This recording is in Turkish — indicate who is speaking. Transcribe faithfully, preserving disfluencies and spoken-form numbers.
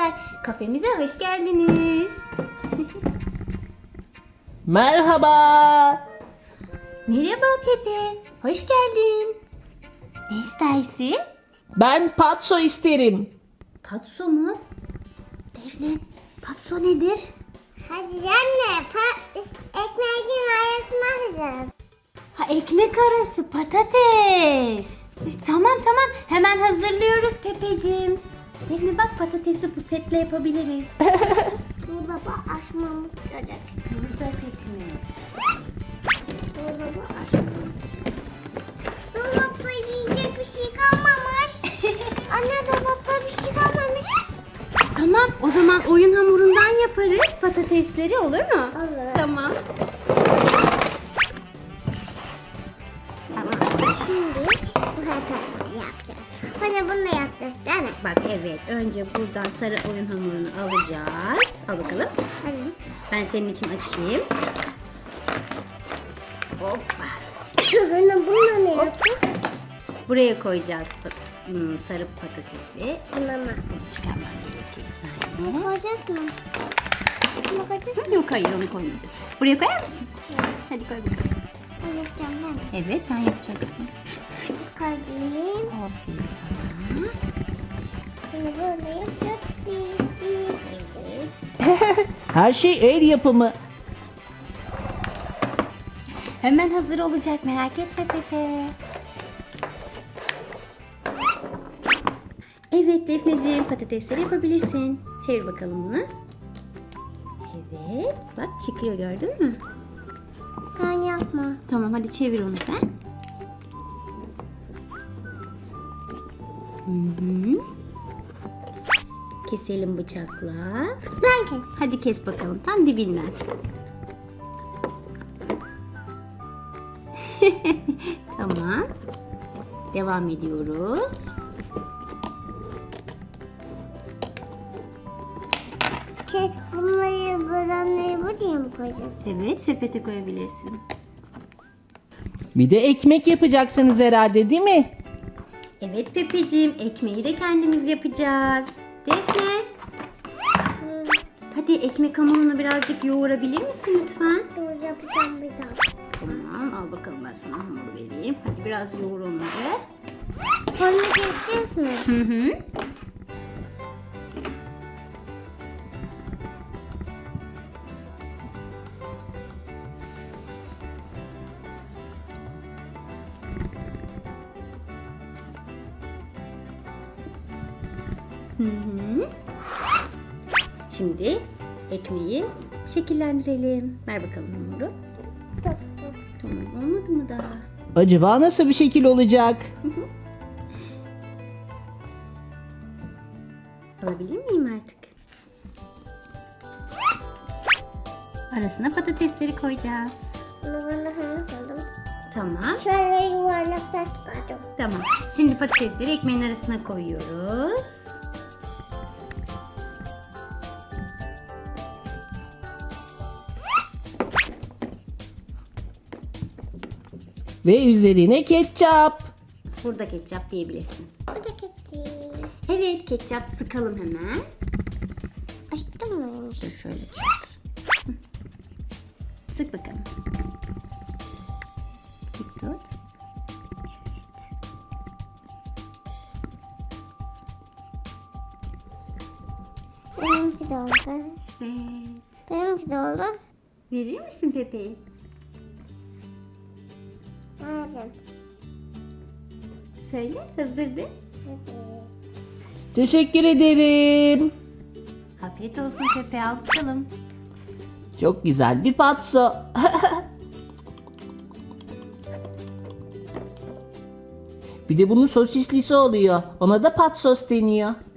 Speaker 1: arkadaşlar, kafemize hoş geldiniz.
Speaker 2: Merhaba.
Speaker 1: Merhaba Pepe, hoş geldin. Ne istersin?
Speaker 2: Ben patso isterim.
Speaker 1: Patso mu? Defne, patso nedir?
Speaker 3: Hadi anne, pa- ekmeğin arasına hazır.
Speaker 1: Ha, ekmek arası patates. Tamam tamam, hemen hazırlıyoruz Pepeciğim. Defne bak, patatesi bu setle yapabiliriz.
Speaker 3: Dolabı açmamız gerek.
Speaker 1: Burada setimiz.
Speaker 3: Dolabı açmamız. Dolapta yiyecek bir şey kalmamış. Anne, dolapta bir şey kalmamış.
Speaker 1: Tamam, o zaman oyun hamurundan yaparız patatesleri, olur mu?
Speaker 3: Olur.
Speaker 1: Tamam.
Speaker 3: Şimdi bu hataları yapacağız. Hani bunu da yapacağız değil mi?
Speaker 1: Bak evet, önce buradan sarı oyun hamurunu alacağız. Al bakalım.
Speaker 3: Hadi.
Speaker 1: Ben senin için açayım. Hoppa.
Speaker 3: Hani bununla ne yapacağız?
Speaker 1: Buraya koyacağız pat- hmm, sarı patatesi.
Speaker 3: Mama.
Speaker 1: Bunu çıkarmam gerekiyor bir saniye.
Speaker 3: Bunu koyacağız mı? Bunu koyacağız mı?
Speaker 1: Hı, Yok hayır, onu koymayacağız. Buraya koyar mısın? Hadi koy bakalım.
Speaker 3: Ben yapacağım değil mi?
Speaker 1: Evet, sen yapacaksın.
Speaker 3: Koyayım.
Speaker 1: Aferin sana.
Speaker 3: Bunu böyle yapacağız. Bir, bir,
Speaker 2: Her şey el yapımı.
Speaker 1: Hemen hazır olacak, merak etme Pepe. Evet Defneciğim, patatesleri yapabilirsin. Çevir bakalım bunu. Evet, bak çıkıyor, gördün mü?
Speaker 3: Sen yapma.
Speaker 1: Tamam, hadi çevir onu sen. Hı hı. Keselim bıçakla.
Speaker 3: Ben kes.
Speaker 1: Hadi kes bakalım, tam dibinden. Tamam. Devam ediyoruz.
Speaker 3: Ke bunları bölenleri buraya mı koyacağız?
Speaker 1: Evet, sepete koyabilirsin.
Speaker 2: Bir de ekmek yapacaksınız herhalde, değil mi?
Speaker 1: Evet Pepeciğim, ekmeği de kendimiz yapacağız. Defne,
Speaker 3: Hı,
Speaker 1: hadi ekmek hamurunu birazcık yoğurabilir misin lütfen?
Speaker 3: dur yapacağım bir daha.
Speaker 1: Tamam, al bakalım, ben sana hamur vereyim. Hadi biraz yoğur onları.
Speaker 3: Sonra keseceğiz mi?
Speaker 1: Hı hı. Hı hı. Şimdi ekmeği şekillendirelim. Ver bakalım hamuru.
Speaker 3: Dur, dur.
Speaker 1: Tamam, olmadı mı daha?
Speaker 2: Acaba nasıl bir şekil olacak?
Speaker 1: Alabilir miyim artık? Arasına patatesleri koyacağız.
Speaker 3: Bunu ben de anlamadım.
Speaker 1: Tamam.
Speaker 3: Şöyle yuvarlaklar çıkardım.
Speaker 1: Tamam. Şimdi patatesleri ekmeğin arasına koyuyoruz.
Speaker 2: Ve üzerine ketçap.
Speaker 1: Burada ketçap diyebilirsin.
Speaker 3: Bu da keçi.
Speaker 1: Evet, ketçap sıkalım hemen.
Speaker 3: Açtın mı?
Speaker 1: Dur şöyle tut. Hı. Sık bakalım. Sık tut.
Speaker 3: Benimki de oldu.
Speaker 1: Evet.
Speaker 3: Benimki de oldu.
Speaker 1: Verir misin Pepe'yi?
Speaker 3: Aldım.
Speaker 1: Söyle, hazırdı.
Speaker 3: Hadi.
Speaker 2: Teşekkür ederim.
Speaker 1: Afiyet olsun Pepe, al bakalım.
Speaker 2: Çok güzel bir patso. Bir de bunun sosislisi oluyor. Ona da patsos deniyor.